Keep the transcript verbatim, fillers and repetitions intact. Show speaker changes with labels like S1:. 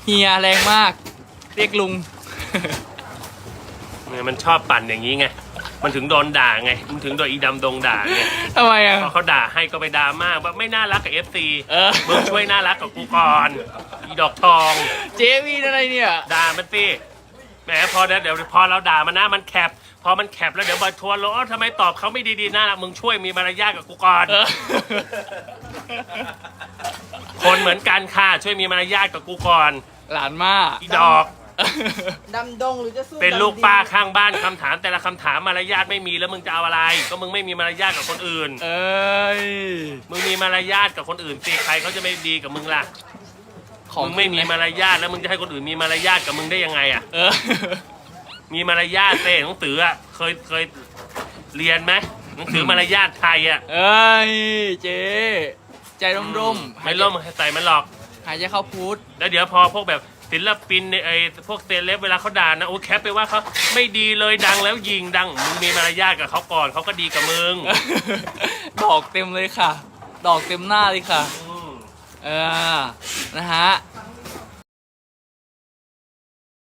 S1: เฮียแรงมากเรียกลุง
S2: เนี่ยมันชอบปั่นอย่างนี้ไงมันถึงโดนด่าไงมันถึงโดนอีดำดงด่าไง
S1: ทำไมอ่ะ
S2: พอเขาด่าให้ก็ไปด่ามากว่าไม่น่ารักกับเอฟซี
S1: เออ
S2: มึงช่วยน่ารักกับกูก่อนอีดอกทอง
S1: เจวีอะไรเนี่ย
S2: ด่ามันสิแหมพอเดี๋ยวพอเราด่ามันนะมันแคปพอมันแคปแล้วเดี๋ยวมาทัวร์ลงทำไมตอบเขาไม่ดีๆน่ารักมึงช่วยมีมารยาทกับกูก่อน
S1: เออ
S2: คนเหมือนกันค่ะช่วยมีมารยาทกับกูก่อน
S1: หลานมา
S2: อีดอก
S3: ดำดงหรือจะสู้
S2: เป็นลูก
S3: ดำดิน
S2: ป้าข้างบ้านคำถามแต่ละคำถามมารยาทไม่มีแล้วมึงจะเอาอะไร ก็มึงไม่มีมารยาทกับคนอื่น
S1: เอ้ย
S2: มึงมีมารยาทกับคนอื่นสิใครเขาจะไม่ดีกับมึงล่ะ
S1: ของ
S2: มึงไม่มีมารยาทแล้วมึงจะให้คนอื่นมีมารยาทกับมึงได้ยังไงอ่ะ
S1: เออ
S2: มีมารยาทเต้หนังสืออ่ะเคยเคยเรียนไหมหนังสือมารยาทไทยอ่ะ
S1: เอ้ยเจ๊ใจร่มๆ
S2: ไม่ร่มใส่มันหรอก
S1: หายใจเข้าพุทธ
S2: แล้วเดี๋ยวพอพวกแบบศิลปินในไอ้พวกเซเลบเวลาเขาด่านะโอ้แคปไปว่าเขาไม่ดีเลยดังแล้วยิงดังมึงมีมารยาทกับเขาก่อนเขาก็ดีกับมึง
S1: ดอกเต็มเลยค่ะ ดอกเต็มหน้าเลยค่ะ
S2: อืม
S1: เออ นะฮะ